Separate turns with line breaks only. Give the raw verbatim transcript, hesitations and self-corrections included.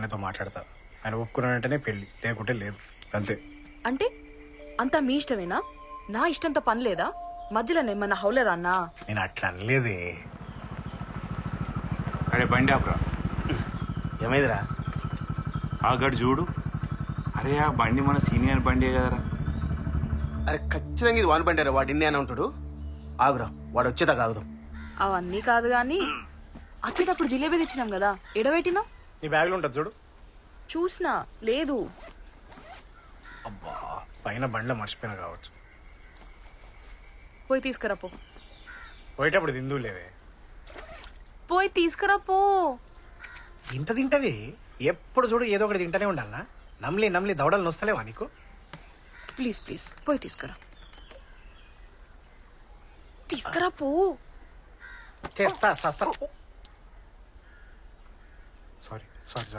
ఆయనతో మాట్లాడతా. ఆయన ఒప్పుకున్నాడంటేనే పెళ్ళి, లేకుంటే లేదు. అంతే.
అంటే అంతా మీ ఇష్టమేనా? నా ఇష్టంతో పని లేదా? మధ్యలో ఏమన్నా హౌలేదా అన్నా?
నేను అట్లా అనలేదే.
అరే బండి ఆపరా.
ఏమైందిరా?
ఆ గడు చూడు. అరే ఆ బండి మన సీనియర్ బండి కదరా.
అరే ఖచ్చితంగా ఇది వాన్ బండారా, వాడు ఇన్ని అని ఉంటాడు. ఆగురా, వాడు వచ్చేదాకా ఆగుదాం.
అవన్నీ కాదు గాని వచ్చేటప్పుడు జిలేబీ తెచ్చినాం కదా, ఎడబెట్టినా?
నీ బ్యాగ్లో ఉంటుంది చూడు.
చూసినా లేదు.
అబ్బా, పైన బండ్లో మర్చిపోయినా కావచ్చు.
పోయి తీసుకురా పో.
పోయేటప్పుడు తిందు లేదే.
పోయి తీసుకురా పో.
ఇంత తింటది ఎప్పుడు చూడు, ఏదో ఒకటి తింటూనే ఉండాలనా? నమ్లి నమ్లి దవడలు నొస్తలేవా నీకు?
ప్లీజ్ ప్లీజ్ పోయి తీసుకురా. తీసుకురా పో.
తెస్తా సస్తా. Sorry sorry